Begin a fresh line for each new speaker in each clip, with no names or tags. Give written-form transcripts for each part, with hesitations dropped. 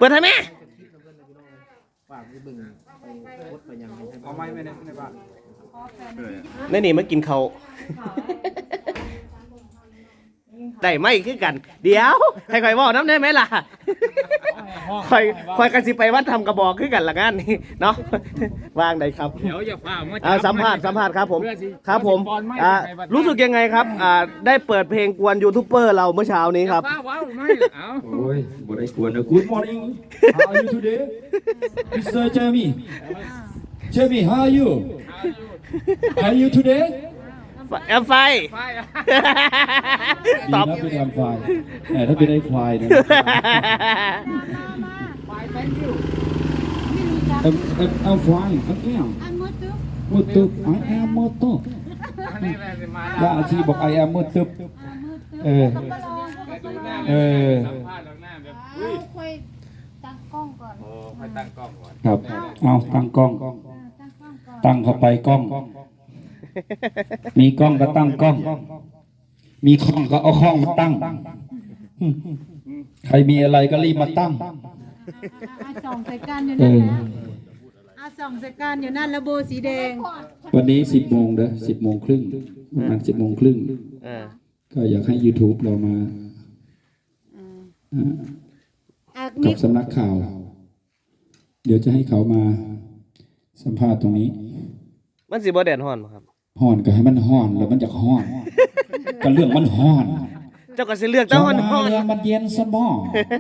ปิดให้แม่
เอาไม้ไม่ในบ้าน
นี่นี่มากินเขาได้ไม่คือกันเดี๋ยวให้คอยบอกน้ำได้ไหมล่ะคอยกันสิไปวัดทำกระบอกคือกันละกันนี่เนาะวางได้ครับ
เดี๋ยวอย่าฝ่ามา
สัมภาษณ์ครับผมรู้สึกยังไงครับได้เปิดเพลงกวนยูทูบเบอร์เราเมื่อเช้านี้ครับ
โอ้ยบ่ได้กวนนะ Good morning How are you today Mr. Jeremy How are you How are you today
แอมไฟ
ตอบเป็นแอมไฟแต่ถ้าเป็นไอ้ควายเนี่ยI'm fine I'm Mutub I am Mutub แล้วอาชีบอก I am Mutub
ค่อยตั้งกล้องก่อน
ครับเอาตั้งกล้องตั้งเข้าไปกล้องมีกล้องก็ตั้งกล้องมีข้องก็เอาข้องมาตั้งใครมีอะไรก็รีบมาตั้ง
ส่องใส่กันอยู่นั่นนะส่องใส่กันอยู่นั่นแล้วโบสีแดง
วันนี้10 โมงเด้อ10 โมงครึ่งประมาณ10 โมงครึ่งก็อยากให้ YouTube เรามากับสำนักข่าวเดี๋ยวจะให้เขามาสัมภาษณ์ตรงนี้
มันสิบ่แดดฮ้อนบ่ครับ
ฮ้อนก็ให้มันฮ้อนแล้วมันจะฮ้อนก็เรื่องมันฮ้อน
เจ้าก็สิเลือกแต่ฮ้อน
มันเย็นสมอง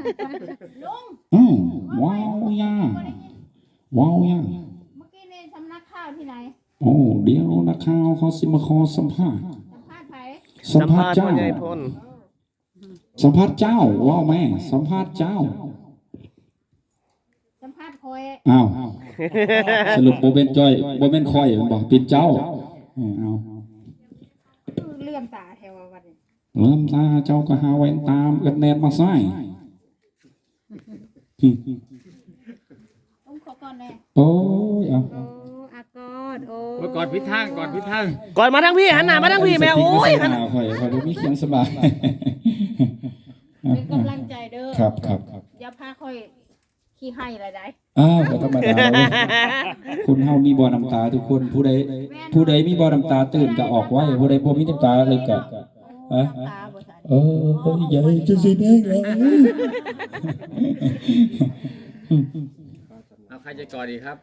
ว้าวยาเมื่อ
กี้ในสำนักข่าวที่ไหน
โอ้เดี๋ยวนักข่าวเขาสิมาขอสัมภาษณ์สัมภาษณ์เจ้าสัมภาษณ์เจ้าว้าวแม่สัมภาษณ์เจ้า
สัมภาษณ์คอย
อ้าวสรุปโบเบนจอยโบเบนคอยมันบอกเป็นเจ้าเอา
เลื่อมตาแถววันนี้
เลื่อมตาเจ้าก็หาแว่นตามกันแนนมาใส่
ขอก่อนเลย
โอ้ยเอา
กอดพิทาง
กอดมาทั้งพี่หันหน้ามาทั้งพี่แม่โอ้ย
หันหน้าคอยมีเขียงสบาย
เป็นกำลังใจเด้อ
ครับ
อย่าพาคอยขี้ให้อะไรได้
ก็ธรรมดาคุณเฮามีบ่อน้ำตาทุกคนผู้ใดมีบ่อน้ำตาตื่นก็ออกไว้ผู้ใดบ่มีน้ำตาเลยก็ใหญ่จะสิแดงแล้ว
เอาใครจะกอดดีครับ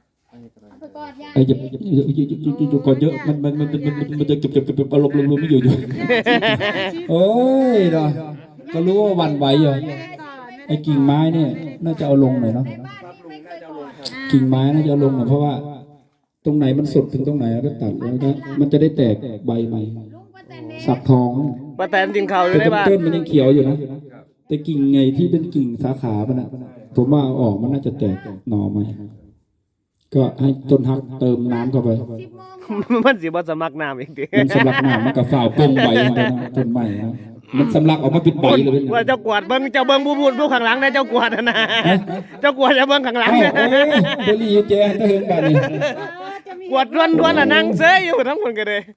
จะกอดเยอะมันจะเก็บอารมณ์รวมไม่อยู่โอ้ยเนาะก็รู้ว่าวันไหวอยู่ไอ้กิ่งไม้เนี่ยน่าจะเอาลงหน่อยเนาะกิ่งไม้น่าจะเอาลงหน่อยเพราะว่าตรงไหนมันสดถึงตรงไหนก็ตัดแล้วก็มันจะได้แตกใบใหม่สักทอง
ป้าแตนกินข้าวอยู่ได้บ้าง
ต้นมันยังเขียวอยู่นะแต่กิ่งไงที่เป็นกิ่งสาขามันผมว่าออกมันน่าจะแตกหน่อไหมก็ให้ต้นฮักเติมน้ำเข้าไป
มันสิบ่สมักน้ำเองดิ
มันสำลักน้ำมันกับฝ่าวปงใบต้นใหม่นะมันสำลักออกมาปิดใบเลย
ว่าเจ้ากวาดเบิ้งผู้ข้างหลังนะเจ้ากวาดนะเจ้ากวาดจะเบิ้งข้างหลัง
เนี่ยเดลี่แจตะเฮงกันนี่
กวาดล้วนๆนั่งเซยอยู่ทั้งคนกันเลย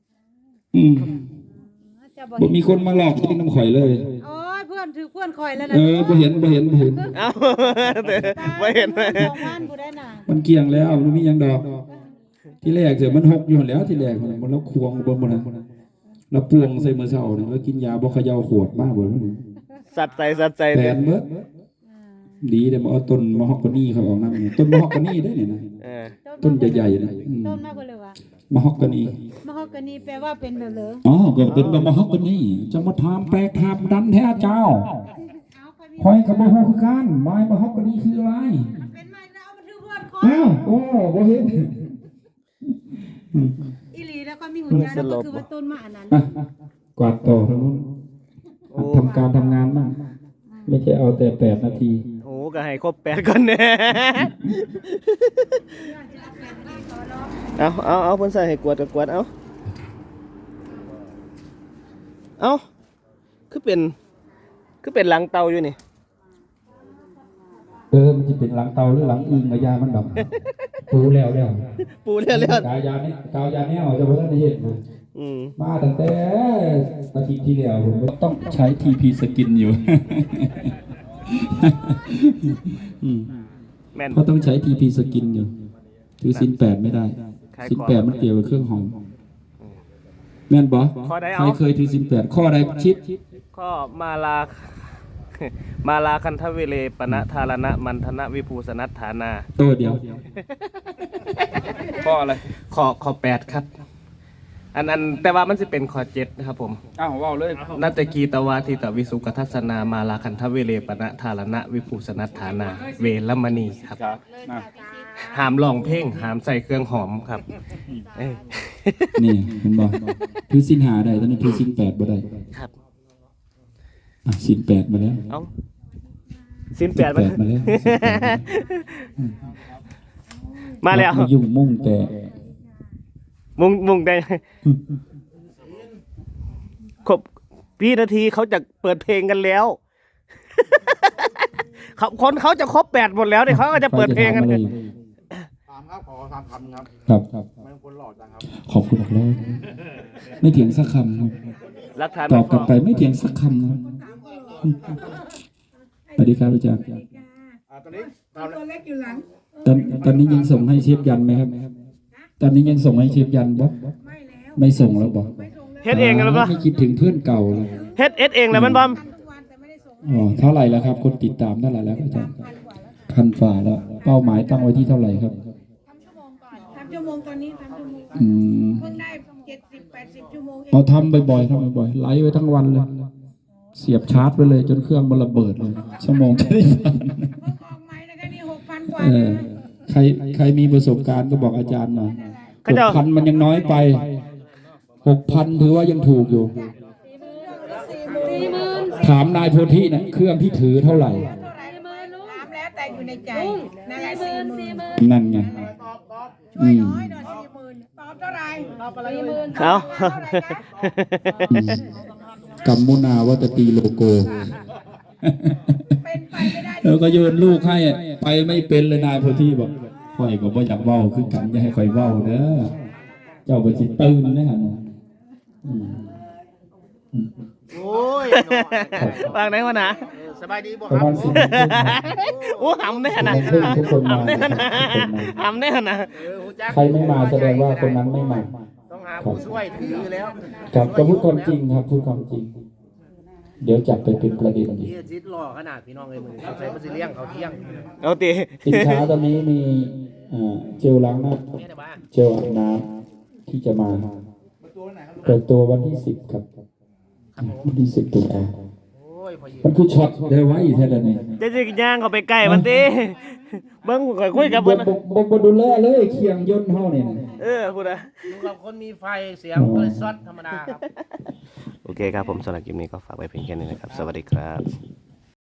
บ่มีคนมาหลอกที่น้ำข่อยเลย
โอ้ยเพื่อนถือเพื่อนข่อยแล้วนะ
บ่เห็น
เอาบ่เห็น
มันเกี่ยงแล้วมันมียังดอกที่แรกเสียมันหกอยู่แล้วที่แรกมันแล้วควงบนมันแล้วปวงใส่มือเสาเนี่ยแล้วกินยาบ่เขย่าขวดมากเลย
สัตว์ใจ
แผนเบิดดีเดี๋ยวมาเอาต้นมะฮอกกานี่เขาออกน้ำต้นมะฮอกกานี่ได้เนี่ยนะต้นใหญ่ๆนะ
ต้นมากเลยวะ
มะฮอกกานี่
แปลว่าเป็นแบบเหร
อก็เป็นมะฮอกกานี่จะมาทำแปลกทำดันแท้เจ้าคอยกับมะฮอกกานี่ไม้มะฮอกกานี่คืออะไร
เป็นไม้แล้วมันถือเพื่อนคอย
บ่เห็น
อีหลีแล้วก็มีหุ่นยนต์ก็คือว่าต้นมะอันนั้น
กวาดต่อทางนู้นทำการทำงานบ้างไม่ใช่เอาแต่8 นาที
โอ้ก็ให้ครบ8ก่อนเนี่ยเอาเพิ่นใส่ให้กวาดก็กวาดเอาคือเป็นหลังเตาอยู่นี่
มันจะเป็นหลังเตาหรือหลังอึ่งกะยามันดอกปูแล้วกายาเนี่ยจะบ่ได้เห็นมาตั้งแต่อาทิตย์ที่แล้วผมต้องใช้ TP สกินอยู่อืม
แม่น
เพราะต้องใช้ TP สกินอยู่ถือศีล8ไม่ได้
ใคร
ศีล
ก่อน
8มันเกี่ยวกับเครื่องหอมแม่นบ่
ข้อใด
ใค
เอา
รเคยถือศีล8ข้อใดชิด
ก็มาลา มาลาคันทเวเลปณะธารณะมันธนะวิภูสนัตฐานา
โตเดียว
ข้ออะไร
ข้อ8ครับ อันแต่ว่ามันสิเป็นข้อ7นะครับผม
อ้าวว้าวเลย
นัตตกีตวาทิตวิสุกทัสนามาลาคันทเวเลปณะธารณะวิภูสนัตฐานา เวรมณีครับ
ครับนะ
ห้ามร้องเพลงห้ามใส่เครื่องหอมครับเอ้ย
นี่เห็นบ่ถือศีล5ได้ตอนนี้ถือศีล8บ่ได้
ครับ
อ่ะศีล8มาแล้ว
เอาสิ้นแปด
ศีล8มาแล้ว
มาแล้ว
ไม่ยุ่งมุ่งแต่
มุงได้ครบพี่นาทีเขาจะเปิดเพลงกันแล้ว คนเขาจะครบ8หมดแล้วเนี่ยเขาก็จะเปิดเพลงกัน
ใครจะถามอะไร
ถามครับขอถามคำครับ
ครับ
ไม่คนหล่อจังครับ
ขอบคุณมากแล้วไม่เถียงสักคำครับ
รักฐาน
ตอบกลับไปไม่เถียงสักคำครับสวัสดีครับอาจารย์
ตอนนี้ตอน
ตอนนี้ยังส่งให้เชฟยันไหมครับ ตอนนี้ยังส่งให้เชฟยันบ่ไม่ส่งแล้วบ่
เฮ็ดเองแล้วปะ
ไม่คิดถึงเพื่อนเก่าเลย
เฮ็ดเองแล้วมันบอม
อ๋อเท่าไหร่แล้วครับ คนติดตามเท่าไหร่แล้วอาจารย์พันฝ่าแล้ว เป้าหมายตั้งไว้ที่เท่าไหร่ครับ
3 ชั่วโมงตอนนี้3 ชั่วโมง
อืม
เพิ่งได้70-80 ชั่วโมงเอง
เราทำบ่อยๆทำบ่อยๆไลฟ์ไว้ทั้งวันเลย เสียบชาร์จไว้เลย จนเครื่องมันระเบิดเลย ชั่วโมงจะได้ฟัง
เพิ่งออกใหม่นะคะนี่ 6,000 กว่า
เออ
นะ
ใครมีประสบการณ์ก็บอกอาจารย์หน่อย
เขาจะ
6,000มันยังน้อยไป 6,000ถือว่ายังถูกอยู่ ถามนายโพธินะเครื่องที่ถือเท่าไหร่
ถามแล้วแต่อยู่ในใจนั่นแหละ40,000
นั่นไง
ช่วยน้อยหน่อย40,000ตอบเท่าไหร่ตอบอะไร40,000
เอา
เท่าไหร่คะ
อืมกัมมุนาวัตตีโลโก
เป็นไปไม่ได้
แล้วก็โยนลูกให้ไปไม่เป็นเลยนายโพธิบอกข่อยก็บ่อยากเว้าคือกันอย่าให้ข่อยเว้าเด้อเจ้าบ่สิตื่นนะฮะอืม
โอ้ยว
างไหนวะนะ
สบายดีบ่
ป
ค
ระ
รับ
มาณ10
โอ้หำแน่นะ
เพิ่งทุกคนมา
หำแน่นะหำแน่นะ
หูจัก
ใครไม่มาแสดงว่าคนนั้นไม่มา
ต้องหาผู้ช่วยถือแล้ว
ครับก็พูดความจริงครับพูดความจริง เดี๋ยวจับไปเป็นประเด็นอีก
พี่จิตหล่อขนาดพี่น้องเลยมือเขาใช้มาซิเลี้ยงเขาเที่ยง
เอาตี
สินค้าตอนนี้มีเจลล้างหน้า
เนี่ยนะบ้าน
เจลอาบน้ำที่จะมาเปิดตัววันที่10ครับวันที่10ตุลา
โอ้ยพอยืน
มันคือช็อตเดไว้แท้เลยนี่
จะสิย่างเขาไปใกล้มันตีเบิ้งข่อยคุยกับ
บ่
เบิ้ง
บ่ดูแลเลยเคียงยนต์เฮานี่นะ
พูดอะ
อยู่กับคนมีไฟเสียงก็เลยซดธรรมดาครับ
โอเคครับผมสำหรับคลิปนี้ก็ฝากไว้เพียงแค่นี้นะครับ สวัสดีครับ